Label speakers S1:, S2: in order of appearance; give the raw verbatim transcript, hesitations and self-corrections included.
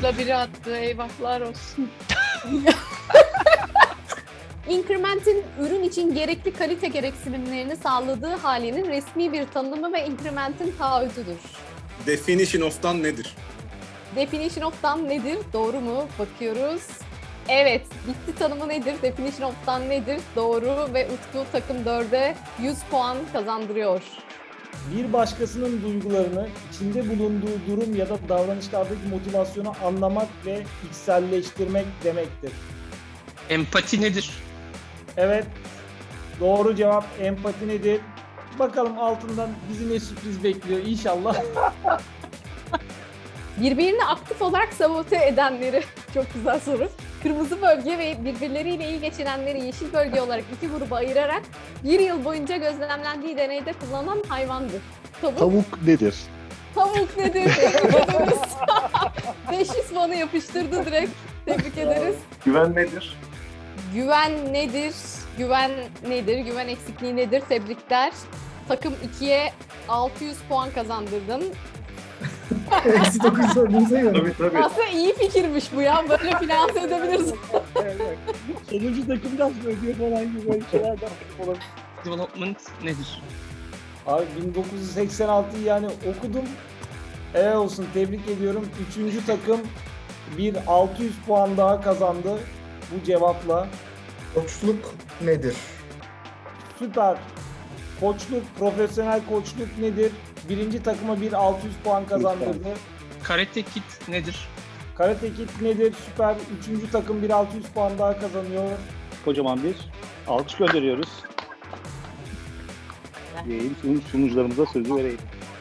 S1: Yanlışlıkla biri attı. Eyvahlar olsun.
S2: Increment'in ürün için gerekli kalite gereksinimlerini sağladığı halinin resmi bir tanımı ve increment'in taahhütüdür.
S3: Definition of'tan nedir?
S2: Definition of'tan nedir? Doğru mu? Bakıyoruz. Evet, bitti tanımı nedir? Definition of'tan nedir? Doğru ve Utku takım dörde yüz puan kazandırıyor.
S4: Bir başkasının duygularını içinde bulunduğu durum ya da davranışlardaki motivasyonu anlamak ve içselleştirmek demektir.
S5: Empati nedir?
S4: Evet, doğru cevap empati nedir? Bakalım altından bizi ne sürpriz bekliyor inşallah.
S2: Birbirini aktif olarak sabote edenleri, çok güzel soru. Kırmızı bölge ve birbirleriyle iyi geçinenleri yeşil bölge olarak iki gruba ayırarak bir yıl boyunca gözlemlendiği deneyde kullanılan hayvandır. Tavuk,
S6: Tavuk nedir?
S2: tavuk nedir? Tebrik ederiz. beş yüz puanı yapıştırdı direkt. Tebrik ederiz.
S3: Güven nedir?
S2: Güven nedir? Güven nedir? Güven eksikliği nedir? Tebrikler. Takım ikiye altı yüz puan kazandırdın.
S7: Eksi dokuz sorduğunuza göre.
S3: Tabii tabii.
S2: Aslında iyi fikirmiş bu ya. Böyle finanse edebiliriz.
S4: Sonuncu takım biraz ödüyor falan gibi böyle şeylerden olabilir.
S5: Development nedir?
S4: Abi bin dokuz yüz seksen altıyı yani okudum. Evet olsun, tebrik ediyorum. Üçüncü takım bir altı yüz puan daha kazandı bu cevapla.
S7: Koçluk nedir?
S4: Süper. Koçluk, profesyonel koçluk nedir? Birinci takıma bir altı yüz puan kazandırdı.
S5: Karate Kid nedir?
S4: Karate Kid nedir? Süper. Üçüncü takım bir altı yüz puan daha kazanıyor.
S6: Kocaman bir alkış gönderiyoruz. Diyeyim, sunum- sunucularımıza sözü vereyim.